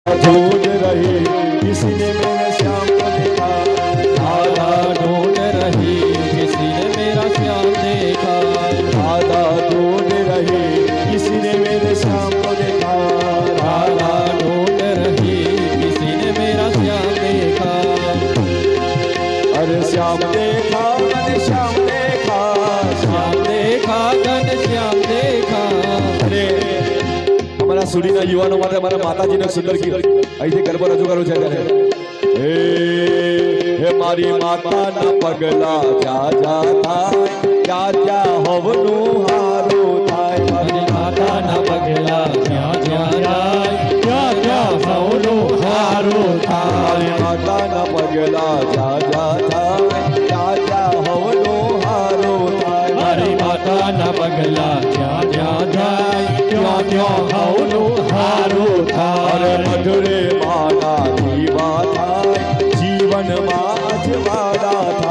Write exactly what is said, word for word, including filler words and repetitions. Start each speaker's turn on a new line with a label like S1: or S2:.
S1: ढूंढ रही किसी ने मेरे श्याम को देखा,
S2: राधा ढूंढ रही किसी ने मेरा श्याम देखा,
S1: राधा ढूंढ रही किसी ने मेरे श्याम को देखा,
S2: राधा ढूंढ रही किसी ने मेरा श्याम देखा।
S1: अरे श्याम देखा मैंने श्याम देखा,
S2: श्याम देखा घन श्याम देखा।
S1: अरे हमारा सुरीना युवाओं માટે મારા માતાજીને સુંદર ગીત અહીંથી ગરબો રજૂ કરું છે ત્યારે હે હે મારી માતાના પગલા જા જા થાય જા જા હવનું હારું થાય
S2: મારી માતાના પગલા જ્યાં જ્યાં જાય ત્યાં ત્યાં સૌનું હારું થાય.
S1: મારી માતાના પગલા જા જા થાય જા જા હવનું હારું થાય
S2: મારી માતાના પગલા જ્યાં જ્યાં જાય ત્યાં ત્યાં સૌનું હારું
S1: અરે
S2: થાય.
S1: મધુરે માના દીવા થાય જીવનમાં અજવાળા થાય